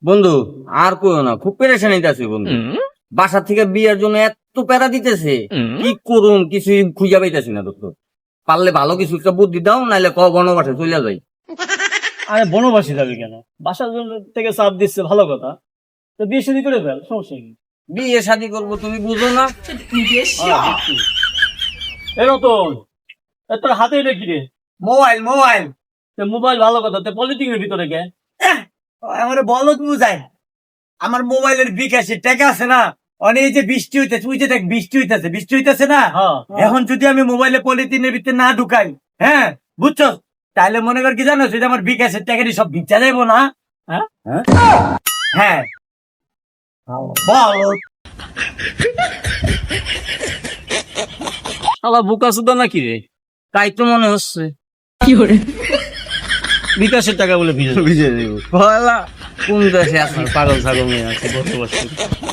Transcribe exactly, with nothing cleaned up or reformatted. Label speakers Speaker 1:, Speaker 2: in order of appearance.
Speaker 1: বন্ধু আর কইও না, খুব পেরেশানিতে আছি বন্ধু। বাসা থেকে বিয়ের জন্য এত প্যারা দিতেছে, কি করুম কিছু খুঁজে পাইতেছি না। তো পারলে ভালো কিছু একটা বুদ্ধি দাও, নাইলে ক বনবাসে চলে যাই।
Speaker 2: আরে বনবাসী যাবি কেন? বাসার জন্য থেকে চাপ দিচ্ছে, ভালো কথা। তো বিয়ে শাদী করে ফেল, সমস্যা কি?
Speaker 1: বিয়ে শাদী করবো তুমি বুঝো না?
Speaker 2: এ নতুন, এ তোর হাতে এটা কি রে?
Speaker 3: মোবাইল মোবাইল
Speaker 2: তো মোবাইল ভালো কথা, তো পলিটিক্সের ভিতরে গে।
Speaker 3: আমার বলো বুঝাই। আমার মোবাইলের বিকাশে টাকা আছে না, অনেক যে বৃষ্টি হইতেছে, তুই যে দেখ বৃষ্টি হইতেছে বৃষ্টি হইতেছে না।
Speaker 2: হ্যাঁ।
Speaker 3: এখন যদি আমি মোবাইলে পলিথিনের ভিতরে না ঢুকাই, হ্যাঁ বুঝছো, তাহলে মনে কর কি জানো, সেটা আমার বিকাশের টাকাটি সব ভিক্ষা যাইবো না।
Speaker 2: হ্যাঁ?
Speaker 3: হ্যাঁ বল।
Speaker 2: শালা বোকা সুদা নাকি রে?
Speaker 1: তাই তো মনে হচ্ছে।
Speaker 2: বিকাশের টাকা বলে ভিজে
Speaker 1: বুঝে দেবো কোন দেশে আছে পাগল ছাগল নিয়ে আছে বসে বসে।